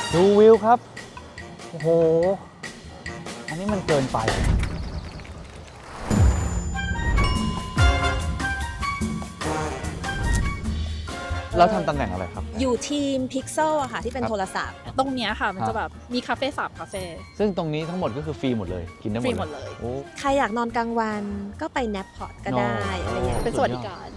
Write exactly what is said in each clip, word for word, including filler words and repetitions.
ดูวิวครับ โอ้โห อันนี้มันเกินไปเราทำตำแหน่งอะไรครับอยู่ทีม Pixel อะค่ะที่เป็นโทรศัพท์ตรงเนี้ยค่ะมันจะแบบมีคาเฟ่สามคาเฟ่ซึ่งตรงนี้ทั้งหมดก็คือฟรีหมดเลยกินได้หมดฟรีหมดเลยโอ้ใครอยากนอนกลางวันก็ไปแนปพอร์ตก็ได้อะไรอย่างเงี้ยเป็นสวัสดิการ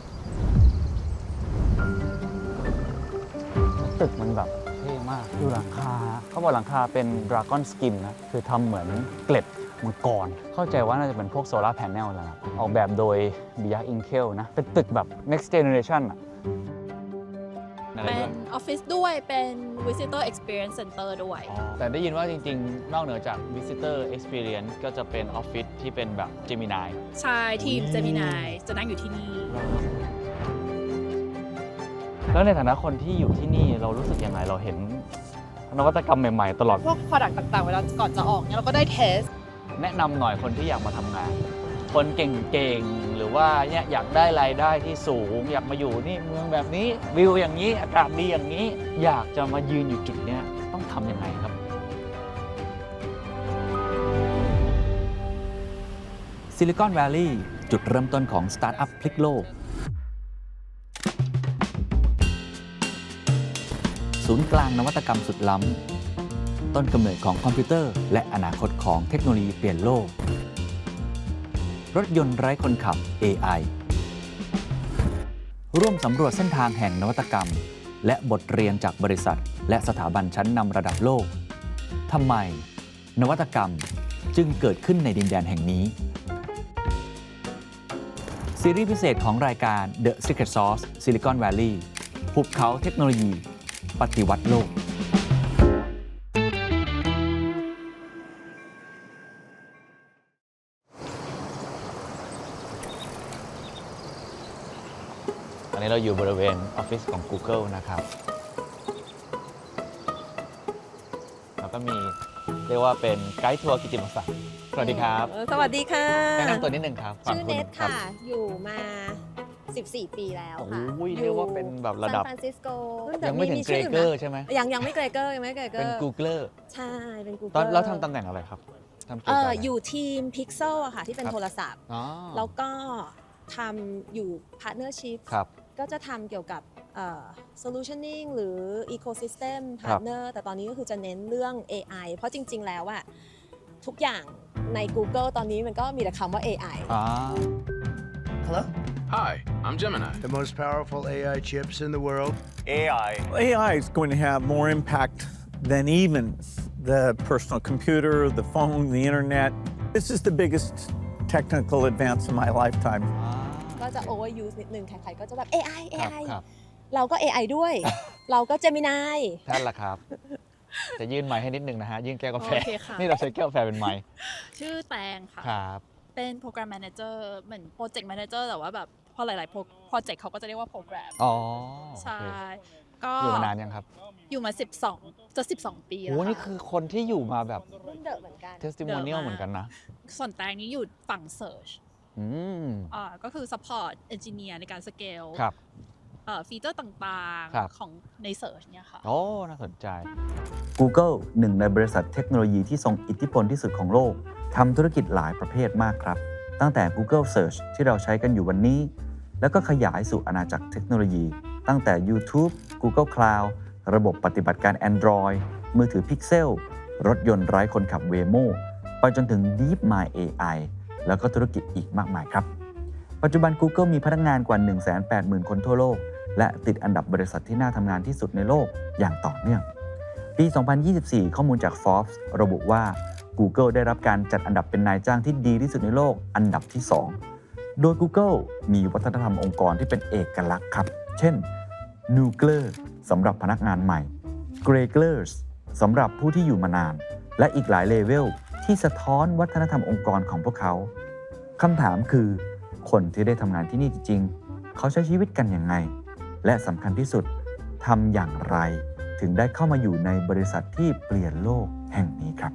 ตึกมันแบบเท่มากดูหลังคาเขาบอกหลังคาเป็น Dragon Skin นะคือทำเหมือนเกล็ดมังกรเข้าใจว่าน่าจะเป็นพวกโซลาร์แผงแหละออกแบบโดย Biak Inkel นะเป็นตึกแบบ next generation อะเป็นออฟฟิศด้วยเป็น visitor experience center ด้วยแต่ได้ยินว่าจริงๆ นอกเหนือจาก visitor experience ก็จะเป็นออฟฟิศที่เป็นแบบ Gemini ใช่ทีม Gemini จะนั่งอยู่ที่นี่แล้วในฐานะคนที่อยู่ที่นี่เรารู้สึกยังไงเราเห็นนวัตกรรมใหม่ๆตลอดพวก product ต่างๆ เวลาก่อนจะออกเนี่ยเราก็ได้เทสแนะนำหน่อยคนที่อยากมาทำงาน คนเก่งๆ หรือว่าเนี่ยอยากได้รายได้ที่สูง อยากมาอยู่นี่เมืองแบบนี้วิวอย่างนี้อากาศดีอย่างนี้ อยากจะมายืนอยู่จุดเนี้ยต้องทำยังไงครับซิลิคอนแวลลีย์จุดเริ่มต้นของสตาร์ทอัพพลิกโลกศูนย์กลางนวัตกรรมสุดล้ำต้นกำเนิดของคอมพิวเตอร์และอนาคตของเทคโนโลยีเปลี่ยนโลกรถยนต์ไร้คนขับ เอ ไอ ร่วมสำรวจเส้นทางแห่งนวัตกรรมและบทเรียนจากบริษัทและสถาบันชั้นนำระดับโลกทำไมนวัตกรรมจึงเกิดขึ้นในดินแดนแห่งนี้ซีรีส์พิเศษของรายการ The Secret Sauce Silicon Valley ภูเขาเทคโนโลยีปฏิวัติโลกอันนี้เราอยู่บริเวณออฟฟิศของ Google นะครับ แล้วก็มีเรียกว่าเป็นไกด์ทัวร์กิตติมศักดิ์สวัสดีครับสวัสดีค่ะแนะนำตัวนิดนึงครับชื่อฝั่งเนณทรับค่ะ อยู่มาสิบสี่ปีแล้วค่ะโอ้ยเรียกว่าเป็นแบบระดับซานฟรานซิสโกยังไม่ถึงเกรเกอร์ใช่ไหมยังยังไม่เกรเกอร์ยังไม่เกรเกอเป็นร์ Googler ใช่เป็น Google ตอนเราทำตำแหน่งอะไรครับทำเกี่เอยวกับออะไรอยู่ทีม Pixel อะค่ะที่เป็นครับโทรศัพท์อ๋อแล้วก็ทำอยู่ Partnership ครับก็จะทำเกี่ยวกับเอ่อ solutioning หรือ ecosystem ครับ partner แต่ตอนนี้ก็คือจะเน้นเรื่อง เอ ไอ เพราะจริง ๆ แล้วอะทุกอย่างใน Google ตอนนี้มันก็มีแต่คำว่า เอ ไออ๋อ Hello? Hi, I'm Gemini. The most powerful A I chips in the world. A I. A I is going to have more impact than even the personal computer, the phone, the internet. This is the biggest technical advance of my lifetime. ก็จะ overuse นิดนึงใครๆก็จะแบบ เอ ไอ เอครับไอครับเราก็ เอ ไอ ด้วย เราก็ Gemini ท่านละครับ จะยื่นไมค์ให้นิดนึงนะฮะ ยื่นแก้วกาแฟโอเคค่ะนี่เราใช้แก้วกาแฟเป็นไมค์ชื่อแตงค่ะครับเป็นโปรแกรมแมเนเจอร์เหมือนโปรเจกต์แมเนเจอร์แต่ว่าแบบพอหลายๆโปรเจกต์เขาก็จะเรียกว่าโปรแกรมอ๋อใช่โอก็เคอยู่มานานยังครับอยู่มาสิบสองจะสิบสองปีโอ้แล้วนี่คือคนที่อยู่มาแบบรุ่นเดอะเหมือนกัน testimonial เหมือนกันนะส่วนแตงนี้อยู่ฝั่ง Search อืมอ่าก็คือ support engineer ในการสเกลครับฟีเจอร์ต่างครับๆ ของใน Search เนี่ยค่ะโอ้น่าสนใจ Google หนึ่งในบริษัทเทคโนโลยีที่ทรงอิทธิพลที่สุดของโลกทำธุรกิจหลายประเภทมากครับ ตั้งแต่ Google Search ที่เราใช้กันอยู่วันนี้ แล้วก็ขยายสู่อาณาจักรเทคโนโลยี ตั้งแต่ YouTube Google Cloud ระบบปฏิบัติการ Android มือถือ Pixel รถยนต์ไร้คนขับ Waymo ไปจนถึง DeepMind เอ ไอ แล้วก็ธุรกิจอีกมากมายครับ ปัจจุบัน Google มีพนักงานกว่า หนึ่งแสนแปดหมื่น คนทั่วโลก และติดอันดับบริษัทที่น่าทำงานที่สุดในโลกอย่างต่อเนื่อง ปี สองพันยี่สิบสี่ ข้อมูลจาก Forbes ระบุว่า Google ได้รับการจัดอันดับเป็นนายจ้างที่ดีที่สุดในโลกอันดับที่ สอง โดย Google มีวัฒนธรรมองค์กรที่เป็นเอกลักษณ์ครับ เช่น Nuclear สำหรับพนักงานใหม่ Greglers สำหรับผู้ที่อยู่มานาน และอีกหลายเลเวลที่สะท้อนวัฒนธรรมองค์กรของพวกเขาคำถามคือ คนที่ได้ทำงานที่นี่จริงๆ เขาใช้ชีวิตกันยังไง และสำคัญที่สุดทำอย่างไรถึงได้เข้ามาอยู่ในบริษัทที่เปลี่ยนโลกแห่งนี้ครับ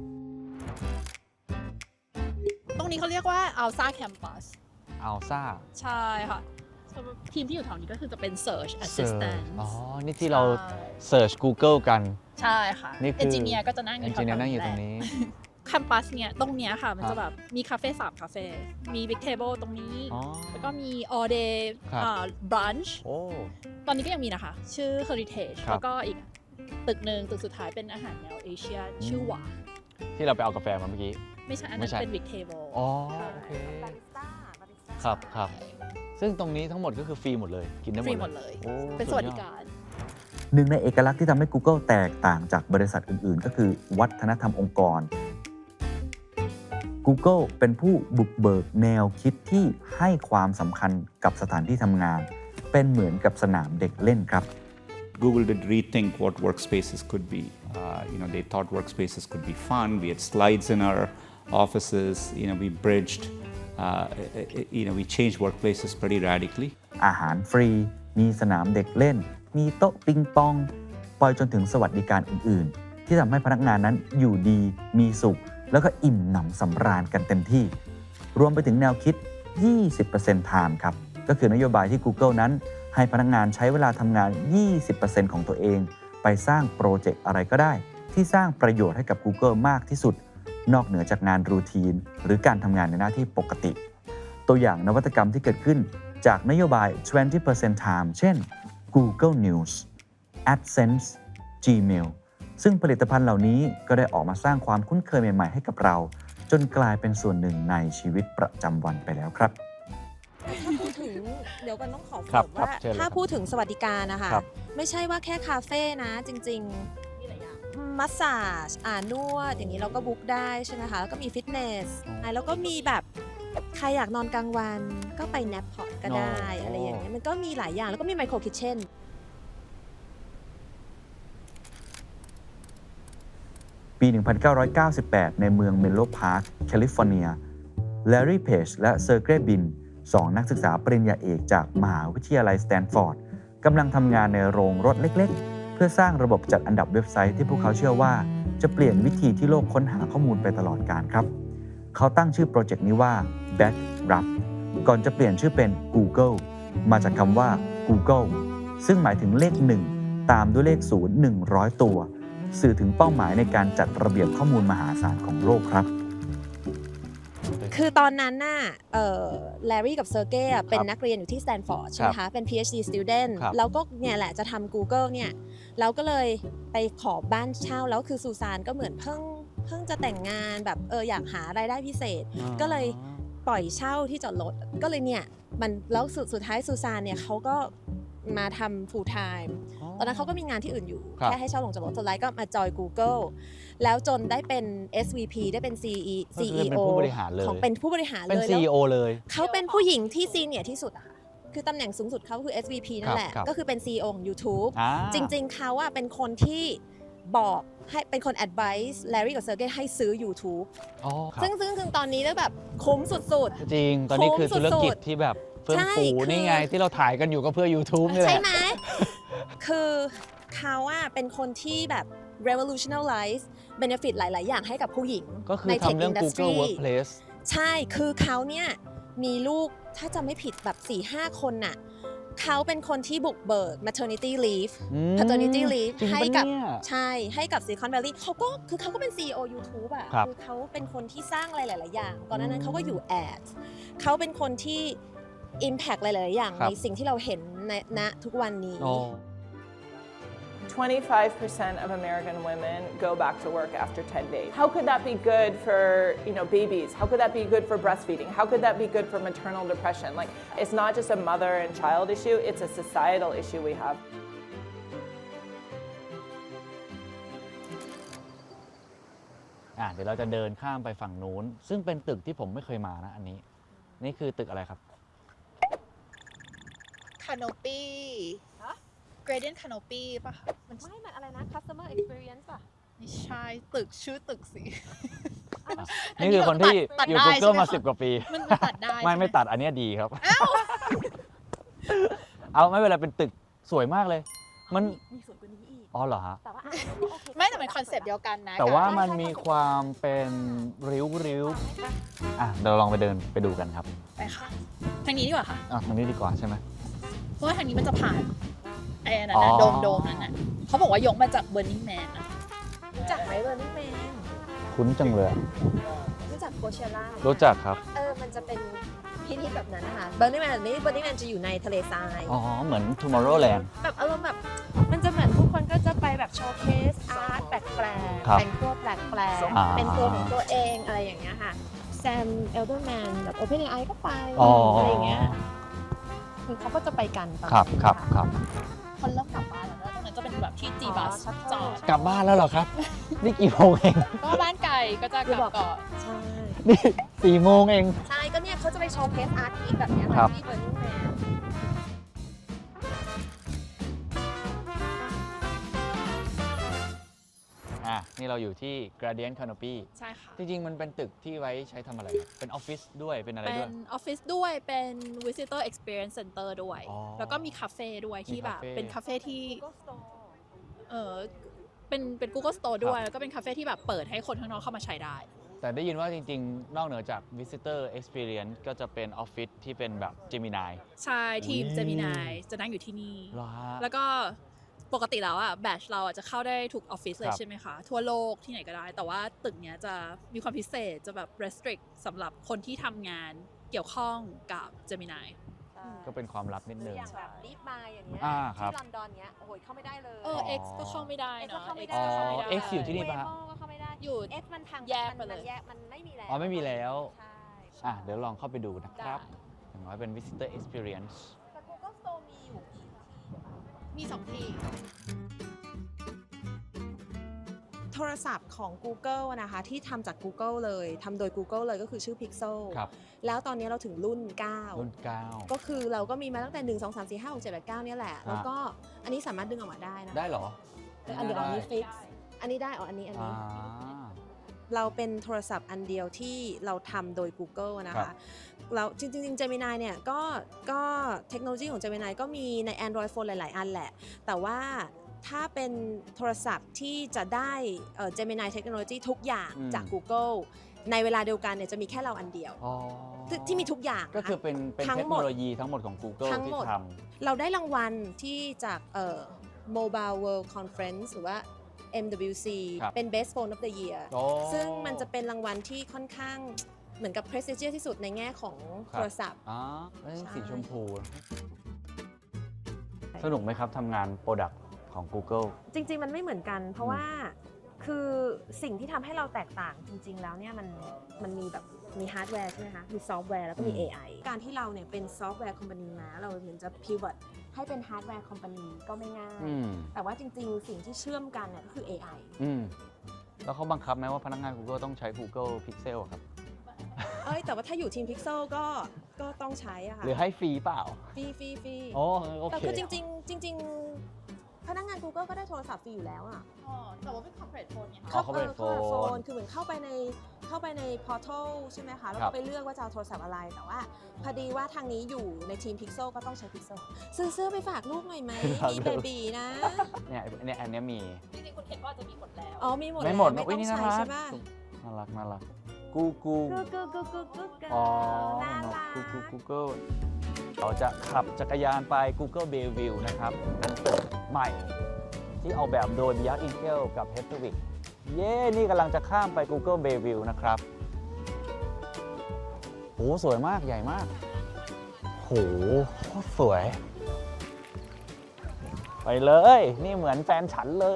ตรงนี้เขาเรียกว่า Alsa Campus อัลซ่าใช่ค่ะ ทีมที่อยู่แถวนี้ก็คือจะเป็น Search Assistant อ๋อ นี่ที่เราใช่ Search Google กันใช่ค่ะนี่คือเอนจิเนียร์ก็จะนั่งอเอนยู่จิเนียร์แถวๆนั่งอยู่ตแหรละงนี้แคมปัสเนี่ยตรงเนี้ยค่ะ มันครัจะบแบบมีคาเฟ่สามคาเฟ่มีบิ๊กเทเบิลตรงนี้อ๋อแล้วก็มี all day ครับอ่า brunch โอ้ตอนนี้ก็ยังมีนะคะ ชื่อ heritage ครับแล้วก็อีกตึกหนึ่งตึกสุดท้ายเป็นอาหารแนวเอเชีย ชื่อหวาที่เราไปเอากาแฟมาเมื่อกี้ไม่ใช่อันไม่นั้นใช่เป็น big table อ๋อใช่โอเคบาริสต้าบาริสต้าครับครับ ซึ่งตรงนี้ทั้งหมดก็คือฟรีหมดเลย กินได้หฟมรีดหมดเลยเลยโอ้เป็นสวัสดิการหนึ่งในเอกลักษณ์ที่ทำให้ Google แตกต่างจากบริษัทอื่น ๆ ก็คือวัฒนธรรมองค์กร Google เป็นผู้บุกเบิกแนวคิดที่ให้ความสำคัญกับสถานที่ทำงาน เป็นเหมือนกับสนามเด็กเล่นครับ Google did rethink what workspaces could be. Uh, you know, they thought workspaces could be fun. We had slides in our offices. You know, we bridged. Uh, you know, we changed workplaces pretty radically. อาหารฟรี มีสนามเด็กเล่น มีโต๊ะปิงปอง ปล่อยจนถึงสวัสดิการอื่น ๆ ที่ทำให้พนักงานนั้นอยู่ดี มีสุข แล้วก็อิ่มหนำสำราญกันเต็มที่ รวมไปถึงแนวคิด ยี่สิบเปอร์เซ็นต์ time ครับ ก็คือนโยบายที่ Google นั้น ให้พนักงานใช้เวลาทำงาน ยี่สิบเปอร์เซ็นต์ ของตัวเอง ไปสร้างโปรเจกต์อะไรก็ได้ ที่สร้างประโยชน์ให้กับ Google มากที่สุด นอกเหนือจากงานรูทีน หรือการทำงานในหน้าที่ปกติ ตัวอย่างนวัตกรรมที่เกิดขึ้นจากนโยบาย ยี่สิบเปอร์เซ็นต์ time เช่น Google News AdSense Gmail ซึ่งผลิตภัณฑ์เหล่านี้ก็ได้ออกมาสร้างความคุ้นเคยใหม่ ๆ ให้กับเรา จนกลายเป็นส่วนหนึ่งในชีวิตประจำวันไปแล้วครับถ้าพูดถึงเดี๋ยวกันต้องขอเสครัริบมครับว่าเชิญเลยถ้าครับพูดถึงสวัสดิการนะคะครับไม่ใช่ว่าแค่คาเฟ่นะ จริงๆมัสซาจอ่านวดอย่างนี้เราก็บุ๊กได้ใช่ไหมคะแล้วก็มีฟิตเนสแล้วก็มีแบบใครอยากนอนกลางวันก็ไปแนปพอร์ตก็ได้อ๋อออะไรอย่างเงี้ยมันก็มีหลายอย่างแล้วก็มีไมโครคิทเช่นปี หนึ่งพันเก้าร้อยเก้าสิบแปด ในเมืองเมนโลพาร์ค แคลิฟอร์เนีย แลร์รี่ เพจ และเซอร์เกย์ บิน สองนักศึกษาปริญญาเอกจากมหาวิทยาลัยสแตนฟอร์ดกำลังทำงานในโรงรถเล็กๆ เพื่อสร้างระบบจัดอันดับเว็บไซต์ที่พวกเขาเชื่อว่าจะเปลี่ยนวิธีที่โลกค้นหาข้อมูลไปตลอดกาลครับ เขาตั้งชื่อโปรเจกต์นี้ว่า Backrub ก่อนจะเปลี่ยนชื่อเป็น Google มาจากคำว่า Google ซึ่งหมายถึงเลขหนึ่งตามด้วยเลขศูนย์ หนึ่งร้อย ตัว สื่อถึงเป้าหมายในการจัดระเบียบข้อมูลมหาศาลของโลกครับคือตอนนั้นน่ะเอ่อแลรี่กับเซอร์เกย์เป็นนักเรียนอยู่ที่สแตนฟอร์ดใช่ไหมคะ เป็น พี เอช ดี student ครับแล้วก็เนี่ยแหละจะทำ Google เนี่ยแล้วก็เลยไปขอบ้านเช่า แล้วคือซูซานก็เหมือนเพิ่งเพิ่งจะแต่งงานแบบเอออยากหารายได้พิเศษ ก็เลยปล่อยเช่าที่จอดรถ ก็เลยเนี่ยมันแล้วสุดสุดท้ายซูซานเนี่ยเขาก็มาทำ full time ตอนนั้นเขาก็มีงานที่อื่นอยู่ครับแค่ให้เช่าลงจากรถสุดท้ายก็มาจอย Google แล้วจนได้เป็น เอส วี พี ได้เป็น ซี อีก็คือซี อีเป็นโอผู้บริหารเลยของเป็นผู้บริหารเป็นเลยซีแล้วอี โอ เลยเขาเป็นผู้หญิงที่ซีเนียร์ที่สุดอะค่ะ คือตำแหน่งสูงสุดเขาคือ เอส วี พี นั่นแหละครับก็คือเป็น ซี อี โอ ของ YouTube อ่าจริงๆ เขาอะเป็นคนที่บอกให้เป็นคน advice แลรี่กับเซอร์เกย์ให้ซื้อ YouTube อ๋อครับซึ่งซึ่งซึ่งตอนนี้ได้แบบคุ้มสุดจริง ตอนนี้คือคุ้มสุธุดๆรกิจที่แบบเฟื่องใช่ฟูคือนี่ไงที่เราถ่ายกันอยู่ก็เพื่อ YouTube นี่ๆแหใช่ละไหม คือเขาอะเป็นคนที่แบบ revolutionize benefit หลาย ๆ อย่างให้กับผู้หญิงก็คือในทำ tech เรื่อง industry Google Workplace ใช่ คือเขาเนี่ยมีลูกถ้าจำไม่ผิดแบบ สี่ห้า คนน่ะเขาเป็นคนที่บุกเบิก maternity leave อืม paternity leave จริงให้ปะกับเนี่ยใช่ให้กับ Silicon Valley เขาก็คือเขาก็เป็น ซี อี โอ YouTube อ่ะครับคือเขาเป็นคนที่สร้างอะไรหลาย ๆ อย่าง ก่อนหน้านั้นเขาก็อยู่ Ads เขาเป็นคนที่ impact หลาย ๆ อย่างครับในสิ่งที่เราเห็นในณทุกวันนี้อ๋อ twenty-five percent of American women go back to work after ten days. How could that be good for, you know, babies? How could that be good for breastfeeding? How could that be good for maternal depression? Like, it's not just a mother and child issue, it's a societal issue we have. อ่ะเดี๋ยวเราจะเดินข้ามไปฝั่งนู้น ซึ่งเป็นตึกที่ผมไม่เคยมานะอันนี้ นี่คือตึกอะไรครับ Canopy Gradient Canopy ป่ะคะมันไม่ มันอะไรนะ customer experience ป่ะไม่ใช่ตึกชื่อตึกสินี่คือคนที่ตัดอยู่ได้ Google มาใช่ไหมคะสิบกว่าปีมันตัดได้ไม่ใช่หไม่ตัดอันเนี้ยดีครับ เอาไม่เป็นไรเป็นตึกสวยมากเลย มันมีสวยกว่านี้อีกอ๋อเหรอฮะแต่ว่าอ่ะก็โอเคไม่แต่เป็นคอนเซปต์เดียวกันนะแต่ว่ากับมันมีความเป็นริ้วริ้วๆอ่ะเดี๋ยวเราลองไปเดินไปดูกันครับไปค่ะทางนี้ดีกว่าค่ะอ่ะทางนี้ดีกว่าใช่ไหมเพราะว่าทางนี้มันจะผ่านไอ้อันนั้นนะอ๋อโดมโดมนั้นน่ะเขาบอกว่ายกมาจาก Burning Man นะรู้จักไหมเบอร์นิ่งแมนคุ้นจังเลยอะรู้จักโคเชล่ารู้จักครับเออมันจะเป็นพิธีแบบนั้นนะคะเบอร์นิ่งแมนนี้เบอร์นิ่งแมนจะอยู่ในทะเลทรายอ๋อ เหมือน Tomorrowland แบบอารมณ์แบบมันจะเหมือนทุกคนก็จะไปแบบโชว์เคสอาร์ตแปลกครับๆแต่งตัวแปลกอ่าๆเป็นตัวของตัวเองอะไรอย่างเงี้ยค่ะแซมเอลเดอร์แมนแบบโอเพนไอก็ไปอ๋อออะไรอย่างเงี้ยคือเขาก็จะไปกันตอนครับนั้นครับะครับคนเริ่มกลับบ้านแล้วนะตรงนั้นจะเป็นแบบที่จีบัสอ๋อชัดเจนจอดกลับบ้านแล้วเหรอครับ นี่กี่โมงเองก็บ้านไกลก็จะกลับก่อนใช่นี่สี่โมงเองใช่ก็เนี่ยเขาจะไปโชว์เคสอาร์ตอีกแบบเนี้ยครัค่ะบที่เบอร์นิ่งแมนอ่ะ นี่เราอยู่ที่ Gradient Canopy ใช่ค่ะจริงๆ มันเป็นตึกที่ไว้ใช้ทำอะไรครับเป็นออฟฟิศด้วย เป็นอะไรเป็ด้วยนออฟฟิศด้วยเป็น visitor experience center ด้วยอ๋อแล้วก็มีคาเฟ่ด้วยที่แบบมีคาเฟ่เป็นคาเฟ่ที่เออเป็นเป็น Google Store ด้วย แล้วก็เป็นคาเฟ่ที่แบบเปิดให้คนข้างนอกเข้ามาใช้ได้แต่ได้ยินว่าจริงๆ นอกเหนือจาก Visitor Experience ก็จะเป็นออฟฟิศที่เป็นแบบ Gemini ใช่ทีมอุ๊ยเจมินายจะนั่งอยู่ที่นี่เหรอฮะแล้วก็ปกติแล้วอ่ะแบชเราอ่ะจะเข้าได้ทุกออฟฟิศเลคยรับใช่ไหมคะ ทั่วโลกที่ไหนก็ได้ แต่ว่าตึกเนี้ยจะมีความพิเศษจะแบบ restrict สำหรับคนที่ทำงานเกี่ยวข้องกับเจมินายก็เป็นความลับนิดนึงอย่างแบบรีบมาอย่างเงี้ยอ่าครับที่ลอนดอนเงี้ยโอ้โหเข้าไม่ได้เลยเออ X ก็เข้าไม่ได้ X ก็เนาะเข้าไม่ X ได้ก็เข้าไม่ได้ X อยู่ที่นี่เวปะฮะโมก็เข้าไม่ได้อยู่เอสมันทางแยกมันไปเลยมันแยกมันไม่มีแล้วอ๋อไม่มีแล้วใช่อ่ะ เดี๋ยวลองเข้าไปดูนะครับได้อย่างน้อยเป็น Visitor Experience แต่ Google Store มีอยู่กี่ที่มีสองที่โทรศัพท์ของ Google นะคะที่ทำจาก Google เลยทำโดย Google เลยก็คือชื่อ Pixel ครับแล้วตอนนี้เราถึงรุ่น เก้ารุ่นเก้าก็คือเราก็มีมาตั้งแต่หนึ่ง สอง สาม สี่ ห้า หก เจ็ด แปด เก้าเนี่ยแหละ แล้วก็อันนี้สามารถดึงออกมาได้นะได้เหรอแต่อันเดียวอันนี้ฟิกอันนี้ได้อ๋ออันนี้อันอ่านี้ เราเป็นโทรศัพท์อันเดียวที่เราทำโดย Google นะครัคะบแล้วจริงๆ Gemini เนี่ยก็ก็เทคโนโลยีของ Gemini ก็มีใน Android Phone หลาย ๆ อันแหละ แต่ว่าถ้าเป็นโทรศัพท์ที่จะได้เอ่อ Gemini เทคโนโลยีทุกอย่างอืมจาก Google ในเวลาเดียวกันเนี่ยจะมีแค่เราอันเดียวอ๋อที่ที่มีทุกอย่างก็คือนะเป็นเป็นทั้งเทคหมโนดโลยีทั้งหมดของ Google ทั้งที่หมดทเราได้รางวัลที่จากเอ่อ Mobile World Conference หรือว่า เอ็ม ดับเบิลยู ซีครับเป็น Best Phone of the Year ำโอ้ซึ่งมันจะเป็นรางวัลที่ค่อนข้างเหมือนกับ prestigious ที่สุดในแง่ของครัโทบรศัพท์อ๋อแล้วนี่ใช่สีชมพู สนุกไหมครับทำงานโปรดักต์ของ Google จริง ๆ มันไม่เหมือนกัน เพราะว่าคือสิ่งที่ทำให้เราแตกต่างจริง ๆ แล้วเนี่ยมันมันมีแบบมีฮาร์ดแวร์ใช่ไหมคะ มีซอฟต์แวร์แล้วก็มีอืมเอ ไอ การที่เราเนี่ยเป็นซอฟต์แวร์คอมพานีมาเราเหมือนจะ pivot ให้เป็นฮาร์ดแวร์คอมพานีก็ไม่ง่ายอืมแต่ว่าจริง ๆ สิ่งที่เชื่อมกันเนี่ยก็คือ เอ ไออืม แล้วเขาบังคับไหมว่าพนักงาน Google ต้องใช้ Google Pixel อะครับเอ้ยแต่ว่าถ้าอยู่ทีม Pixel ก็ก็ต้องใช้อะค่ะหรือให้ฟรีเปล่าฟรีฟรีฟรีโอ้โอแต่เคคือจริง ๆ จริง ๆ พนักงาน Google ก็ได้โทรศัพท์ฟรีอยู่แล้วอะอ๋อแต่ว่าเป็น corporate phone ไงอ๋อคะ corporate เข้า phone โฟนคือเหมือนเข้าไปในเข้าไปใน portal ใช่ไหมคะ แล้วครัก็บไปเลือกว่าจะเอาโทรศัพท์อะไร แต่ว่าพอดีว่าทางนี้อยู่ในทีม Pixel ก็ต้องใช้ Pixel ซื้อเสื้อไปฝากลูกหน่อยไหม มีเบบีนะเนี่ยเนี่ยอันเนี้ยมีจริงๆคุณเห็นว่าจะมีหมดแล้วอ๋อมีหมดไม่หมดแล้วนะอุ้ยไม่นี่ต้องน่าใช้รักใช่ป่ะน่ารักน่ารักกูกูกูกูกูกูกูกูอ๋อน่ารักกูกู Google เราจะขับจักรยานไป Google Bayview นะครับเป็นตึกใหม่ที่ออกแบบโดย Biak Inkel กับ Hedwig เย้ นี่กำลังจะข้ามไป Google Bayview นะครับโหสวยมากใหญ่มากโหโคตรสวย ไปเลย นี่เหมือนแฟนฉันเลย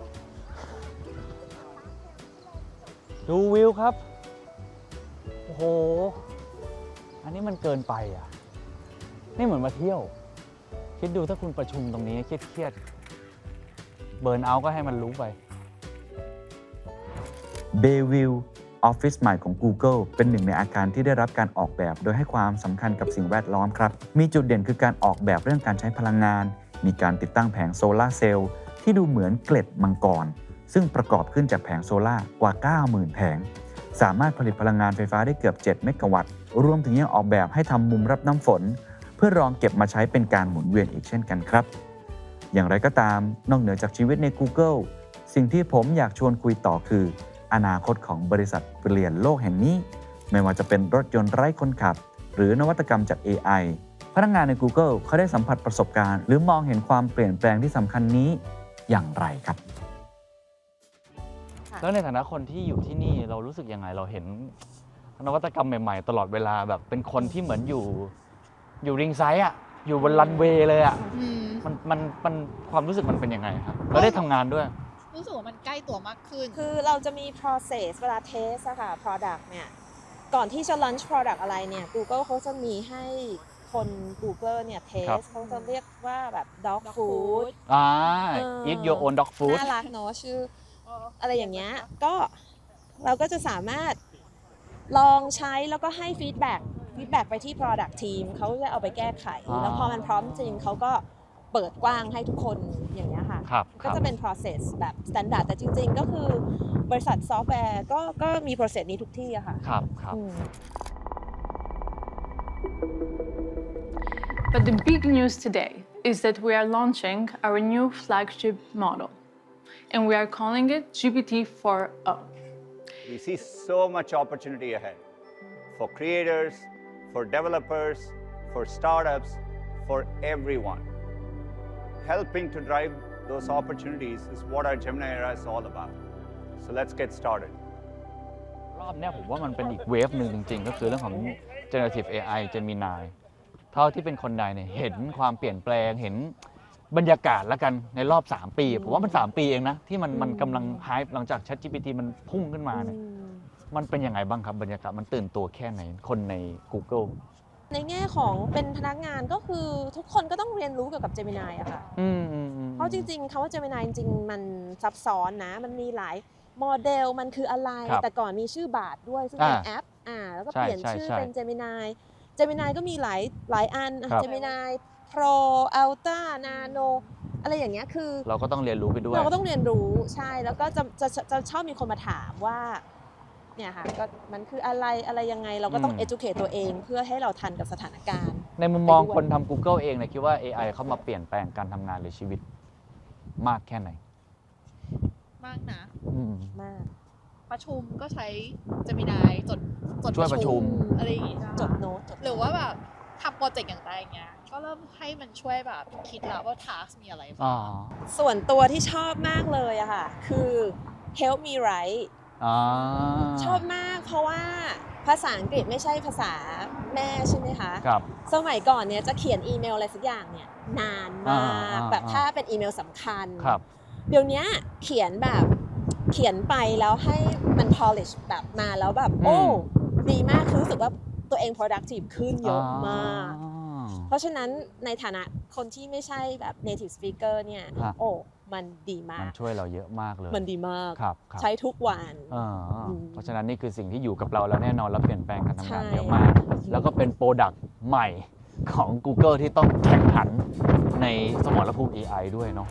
ดูวิวครับ โอ้โห อันนี้มันเกินไปอ่ะ นี่เหมือนมาเที่ยว คิดดูถ้าคุณประชุมตรงนี้เครียดๆ เบิร์นเอาท์ก็ให้มันรู้ไป Bayview ออฟฟิศใหม่ของ Google เป็นหนึ่งในอาคารที่ได้รับการออกแบบโดยให้ความสำคัญกับสิ่งแวดล้อมครับ มีจุดเด่นคือการออกแบบเรื่องการใช้พลังงาน มีการติดตั้งแผงโซลาร์เซลล์ที่ดูเหมือนเกล็ดมังกร ซึ่งประกอบขึ้นจากแผงโซลาร์กว่า เก้าหมื่น แผง สามารถผลิตพลังงานไฟฟ้าได้เกือบ เจ็ด เมกะวัตต์ รวมถึงยังออกแบบให้ทำมุมรับน้ำฝน เพื่อรองเก็บมาใช้เป็นการหมุนเวียนอีกเช่นกันครับ อย่างไรก็ตามนอกเหนือจากชีวิตใน Google สิ่งที่ผมอยากชวนคุยต่อคือ อนาคตของบริษัทเปลี่ยนโลกแห่งนี้ ไม่ว่าจะเป็นรถยนต์ไร้คนขับ หรือนวัตกรรมจาก เอ ไอพนักงานใน Google เขาได้สัมผัสประสบการณ์ หรือมองเห็นความเปลี่ยนแปลงที่สำคัญนี้อย่างไรครับแล้วในฐานะคนที่อยู่ที่นี่เรารู้สึกยังไงเราเห็นนวัตกรรมใหม่ๆ ตลอดเวลาแบบเป็นคนที่เหมือนอยู่อยู่ริงไซด์อะอยู่บนรันเวย์เลยอะอืมมันมันมันความรู้สึกมันเป็นยังไงครับเราได้ทำงานด้วยรู้สึกว่ามันใกล้ตัวมากขึ้นคือเราจะมี process เวลา test อะค่ะ product เนี่ย ก่อนที่จะ launch product อะไรเนี่ย Google เขาจะมีให้คน Google เนี่ยครับ test เขาจะเรียกว่าแบบ dog food อ่าเออ eat your own dog food น่ารักเนาะชื่ออะไรอย่างเงี้ย ก็เราก็จะสามารถลองใช้แล้วก็ให้ feedback feedback ไปที่ product team เขาจะเอาไปแก้ไขอ่าแล้วพอมันพร้อมจริงเขาก็เปิดกว้างให้ทุกคนอย่างเงี้ยค่ะครับคก็รับจะเป็น process แบบ standard แต่จริงๆ ก็คือบริษัทซอฟต์แวร์ก็ก็มี process นี้ทุกที่อะค่ะครับครับอืม But the big news today is that we are launching our new flagship model, and we are calling it G P T four o. We see so much opportunity ahead for creators, for developers, for startups, for everyone. Helping to drive those opportunities is what our Gemini era is all about. So let's get started. รอบเนี้ยผมว่ามันเป็นอีกเวฟหนึ่งจริงๆ ก็คือเรื่องของ generative เอ ไอ Gemini เท่าที่เป็นคนใดเนี่ยเห็นความเปลี่ยนแปลงเห็นบรรยากาศแล้วกันในรอบ สาม ปี ผมว่ามัน สาม ปีเองนะ ที่มันมันกำลังไฮป์หลังจาก ChatGPT มันพุ่งขึ้นมาเนี่ยมันเป็นยังไงบ้างครับบรรยากาศมันตื่นตัวแค่ไหนคนใน Google ในแง่ของเป็นพนักงานก็คือทุกคนก็ต้องเรียนรู้เกี่ยวกับ Gemini อะค่ะอืมอืมอืมเพราะจริงๆคำว่า Gemini จริงๆ มันซับซ้อนนะ มันมีหลายโมเดล มันคืออะไรครับแต่ก่อนมีชื่อบาทด้วย ซึ่งเป็นอ่าแอป อ่า แล้วก็ใช่เปลี่ยนใช่ชื่อใช่เป็น Gemini Gemini ก็มีหลายหลายอันอ่ะครับ Gemini Pro Ultra Nano อะไรอย่างเงี้ย คือเราก็ต้องเรียนรู้ไปด้วยเราก็ต้องเรียนรู้ ใช่ แล้วก็จะจะจะจะชอบมีคนมาถามว่า เนี่ยค่ะ ก็มันคืออะไร อะไรยังไง เราก็ต้องอืม educate ตัวเองเพื่อให้เราทันกับสถานการณ์ในมุมมองไปด้วยคนทำ Google เองเนี่ยคิดว่า เอ ไอ เข้ามาเปลี่ยนแปลงการทำงานหรือชีวิตมากแค่ไหนมากนะอืมมากประชุมก็ใช้ Gemini จดจดช่วยประชุมอะไรอย่างงี้จดโน้ตจดหรือว่าแบบทำโปรเจกต์อย่างไรเงี้ย ก็เริ่มให้มันช่วยแบบคิดแล้วว่า task มีอะไรอ๋บ้าองส่วนตัวที่ชอบมากเลยอะค่ะ คือ help me write อ๋อชอบมากเพราะว่าภาษาอังกฤษไม่ใช่ภาษาแม่ใช่ไหมคะครับสมัยก่อนเนี่ยจะเขียนอีเมลอะไรสักอย่างเนี่ยนานมากอ่าแบบอ่าถ้าเป็นอีเมลสำคัญครับเดี๋ยวนี้เขียนแบบเขียนไปแล้วให้มัน polish แบบมาแล้วแบบ โอ้ ดีมากคือรู้สึกว่าตัวเอง productive ขึ้นเยอะมากอ๋อเพราะฉะนั้นในฐานะคนที่ไม่ใช่แบบ native speaker เนี่ยฮะโอ้ มันดีมามันกช่วยเราเยอะมากเลยมันดีมากครับครับใช้ทุกวันอ่าอืมเพราะฉะนั้นนี่คือสิ่งที่อยู่กับเราแล้วแน่นอนแล้วเปลี่ยนแปลงการทำงานใช่เยอะมาก แล้วก็เป็นโปรดักต์ใหม่ของ Google ที่ต้องแข่งขันในสมรภูมิ เอ ไอ ด้วยเนาะ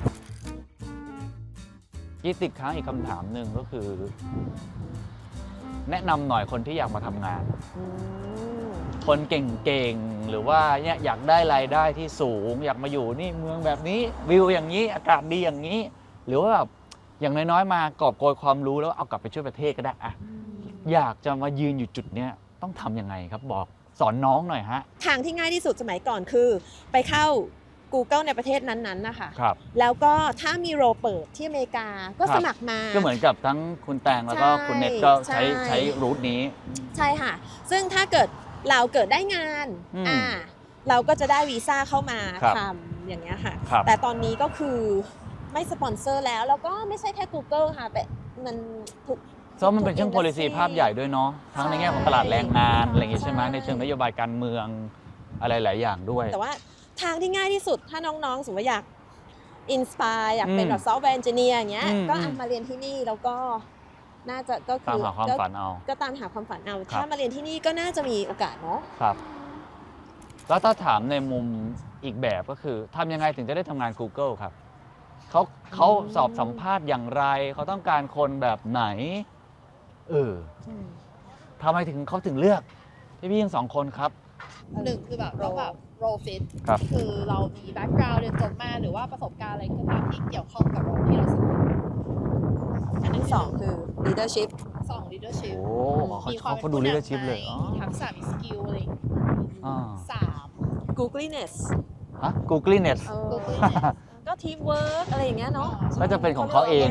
ยี่ติดค้างอีกคำถามหนึ่งก็คือ แนะนำหน่อยคนที่อยากมาทำงานอืมคนเก่งๆ หรือว่าเนี่ยอยากได้รายได้ที่สูง อยากมาอยู่นี่เมืองแบบนี้วิวอย่างนี้อากาศดีอย่างนี้ หรือว่าแบบอย่างน้อยๆ มากอบโกยความรู้แล้วเอากลับไปช่วยประเทศก็ได้อะอยากจะมายืนอยู่จุดเนี้ยต้องทำยังไงครับบอกสอนน้องหน่อยฮะทางที่ง่ายที่สุดสมัยก่อนคือ ไปเข้า Google ในประเทศนั้นๆนะคะครับแล้วก็ถ้ามีโรเปิดที่อเมริกาก็ครับสมัครมาก็เหมือนกับทั้งคุณแตงแล้วก็ใช่คุณเน็ตก็ใช้ใช่ใช้รูทนี้ใช่ค่ะ ซึ่งถ้าเกิดเราเกิดได้งานอืมอ่าเราก็จะได้วีซ่าเข้ามาครับทำอย่างเงี้ยค่ะครับแต่ตอนนี้ก็คือไม่สปอนเซอร์แล้ว แล้วก็ไม่ใช่แค่ Google ค่ะแต่มันถูกเพราะมันเป็นเชิง policy ภาพใหญ่ด้วยเนาะทั้งในแง่ของตลาดแรงงานอะไรอย่างงี้ใช่ไหมใช่ในเชิงนโยบายการเมืองอะไรหลายอย่างด้วยแต่ว่าทางที่ง่ายที่สุดถ้าน้องๆสมมติว่าอยากอินสปายอยากเป็นอืมแบบซอฟต์แวร์เอนจิเนียร์อย่างเงี้ยอืมก็อืมอ่ะมาเรียนที่นี่แล้วก็น่าจะก็คืตามอหาความก็ฝันเอาก็ตามหาความฝันเอาครับถ้ามาเรียนที่นี่ก็น่าจะมีโอกาสเนาะครับ แล้วถ้าถามในมุมอีกแบบก็คือทำยังไงถึงจะได้ทำงาน Google ครับเขาเขาสอบสัมภาษณ์อย่างไร เขาต้องการคนแบบไหน เออทำไมถึงเขาถึงเลือกพี่พี่ทั้งสองคนครับหนึ่งคือแบบเราแบบ role fit ครับคือเรามี background เรียนจบมาหรือว่าประสบการณ์อะไรก็ตามที่เกี่ยวข้องกับ role ที่เราสมัครอันที่สองคือ leadership สอง leadership โอ้เขามีความเขาดูป็นผู้นำ leadership เลยไหมอ๋อมีทักษะมีสกิลอะไรอย่างงี้อ่าสาม googliness ฮะ Googliness เออก็ทีมเวิร์กอะไรอย่างเงี้ยเนาะก็จะเป็นของเขาเอง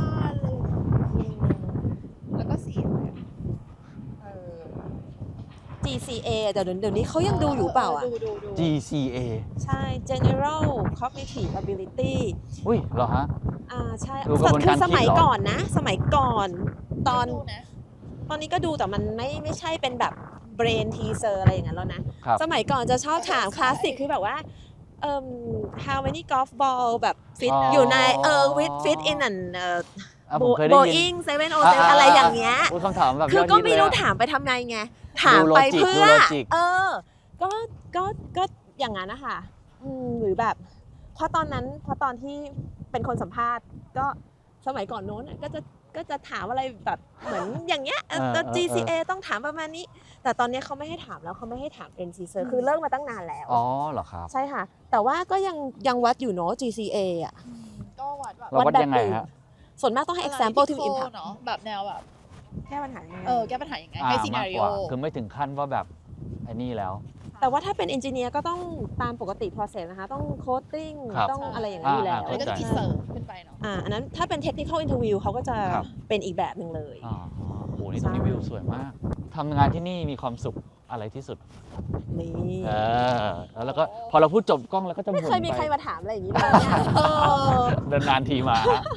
แล้วก็เสียงเออจี ซี เอ เดี๋ยวเดี๋ยวนี้เขายังดูอยู่เปล่าอ่ะดูดูดูจี ซี เอใช่ general cognitive ability อุ้ยเหรอฮะอ่าใช่ดูกระบวนคืการอสมัยคิดเหรอก่อนนะ สมัยก่อนตอนดูนะตอนนี้ก็ดูแต่มันไม่ไม่ใช่เป็นแบบ brain teaser อะไรอย่างนั้นแล้วนะครับสมัยก่อนจะชอบถามคลาสสิกคือแบบว่าเอ่อ how many golf ball แบบ fit อ๋อออยู่ในเออ with fit in an เอ่ออ่ะผมเคยได้ยิน Boeing เซเว่นโอเซเว่นอะไรอย่างเงี้ยอุ๊ยคำถามแบบคือยดก็ฮิตไม่เลยรู้อะถามไปทำไงไง ถามดูไป logic เพื่อดู logic เออ ก็ก็ก็อย่างนั้นนะคะอืมหรือแบบเพราะตอนนั้นเพราะตอนที่เป็นคนสัมภาษณ์ก็สมัยก่อนโน้นน่ะก็จะก็จะถามอะไรแบบเหมือนอย่างเงี้ยเออเออตัวเออจี ซี เอ ต้องถามประมาณนี้ แต่ตอนนี้เขาไม่ให้ถามแล้วเขาไม่ให้ถาม เอ็น ซี เอ คือเลิกมาตั้งนานแล้วอ๋อเหรอครับใช่ค่ะ แต่ว่าก็ยังยังวัดอยู่เนาะ จี ซี เอ อ่ะก็วัดแบบเราวัดแบบยังไงอื่นฮะส่วนมากต้องให้ example ที่มี impact เนาะแบบแนวแบบแก้ปัญหายังไงเออแก้ปัญหายังไงอ่าให้ซีมานาริกโอกว่าคือไม่ถึงขั้นว่าแบบไอ้นี่แล้วแต่ว่าถ้าเป็น engineer ก็ต้องตามปกติ process นะคะ ต้อง coding ครับต้องอะไรอย่างนั้นอยู่แล้วอ่าแล้วก็จะมีเข้าใจเสริมขึ้นไปเนาะอ่าอันนั้นถ้าเป็น technical interview เขาก็จะครับเป็นอีกแบบหนึ่งเลยอ๋อโหนี่ตรงนี้วิวสวยมากทำงานที่นี่มีความสุขอะไรที่สุดนี่เออแล้วก็พอเราพูดจบกล้องแล้วก็จะหไม่มุนเคยมีไปใครมาถามอะไรอย่างนี้เลยเนี่ยเออเดินนานทีมาฮะ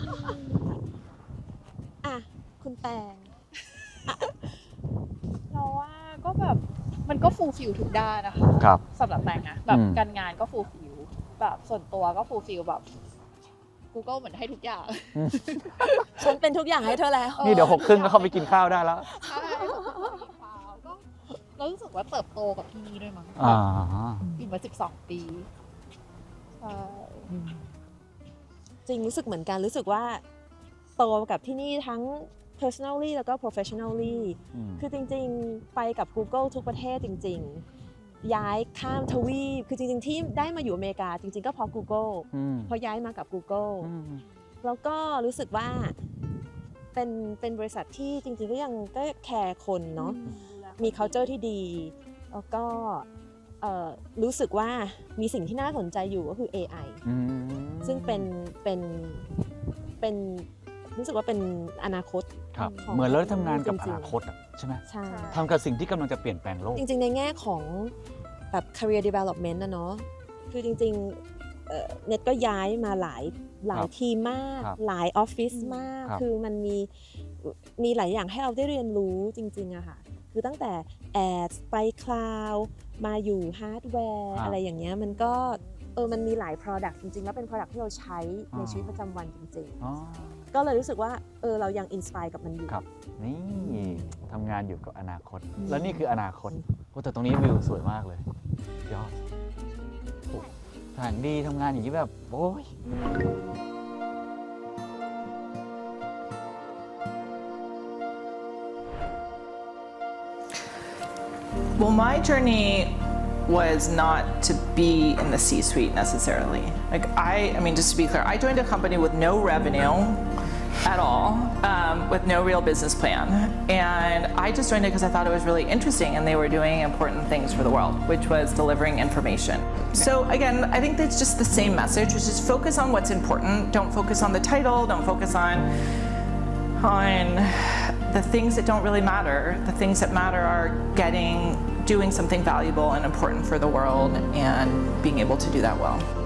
อ่ะ คุณแตงเราว่าก็แบบมันก็ฟูลฟิลทุกด้านนะคะครับสำหรับแตงนะแบบอืมการงานก็ฟูลฟิลแบบส่วนตัวก็ฟูลฟิลแบบ Google เหมือนให้ทุกอย่างฉันเป็นทุกอย่างให้เธอแล้วนี่เดี๋ยวหกครึ่งก็เข้าไปกินข้าวได้แล้วใช่ก็เรารู้สึกว่าเติบโตกับที่นี่ด้วยมั้งอ่าอยู่มาสิบสองปีใช่จริงรู้สึกเหมือนกันรู้สึกว่าโตกับที่นี่ทั้ง personally แล้วก็ professionally อืมคือจริงๆ ไปกับ Google ทุกประเทศจริงๆ ย้ายข้ามทวีปคือจริงๆ ที่ได้มาอยู่อเมริกาจริงๆ ก็เพราะ Google อืมเพราะย้ายมากับ Google อืมแล้วก็รู้สึกว่าเป็นเป็นบริษัทที่จริงๆ ก็ยังก็แคร์คนเนาะมี culture ที่ดี แล้วก็เอ่อรู้สึกว่ามีสิ่งที่น่าสนใจอยู่ก็คือ เอ ไออืมซึ่งเป็นเป็นเป็นรู้สึกว่าเป็นอนาคตครับของเหมือนเราได้ทำงานกับจริองๆนาคตอะใช่ไหมใช่ทำกับสิ่งที่กำลังจะเปลี่ยนแปลงโลกจริงๆ ในแง่ของแบบ career development นะเนาะคือจริงๆเอ่อเน็ตก็ย้ายมาหลายหลายทีมมากครับหลายออฟฟิศมากครับคือมันมีมีหลายอย่างให้เราได้เรียนรู้จริงๆอะค่ะคือตั้งแต่แอดไปคลาวมาอยู่ฮาร์ดแวร์อะไรอย่างเงี้ยมันก็เออมันมีหลาย product จริงๆ แล้วเป็น product ที่เราใช้ในชีวิตประจำวันจริงอ๋อๆ ก็เลยรู้สึกว่าเออเรายังอินสปายกับมันอยู่ครับ นี่ทำงานอยู่กับอนาคต แล้วนี่คืออนาคตโอ้แต่ตรงนี้วิวสวยมากเลยยอดโอ้สถานดีทำงานอย่างนี้แบบ โอ้ย Well, my journey was not to be in the C-suite necessarily. Like I, I mean, just to be clear, I joined a company with no revenue at all, um, with no real business plan. And I just joined it because I thought it was really interesting and they were doing important things for the world, which was delivering information. So again, I think that's just the same message, which is focus on what's important. Don't focus on the title, don't focus on, on the things that don't really matter. The things that matter are getting, doing something valuable and important for the world and being able to do that well.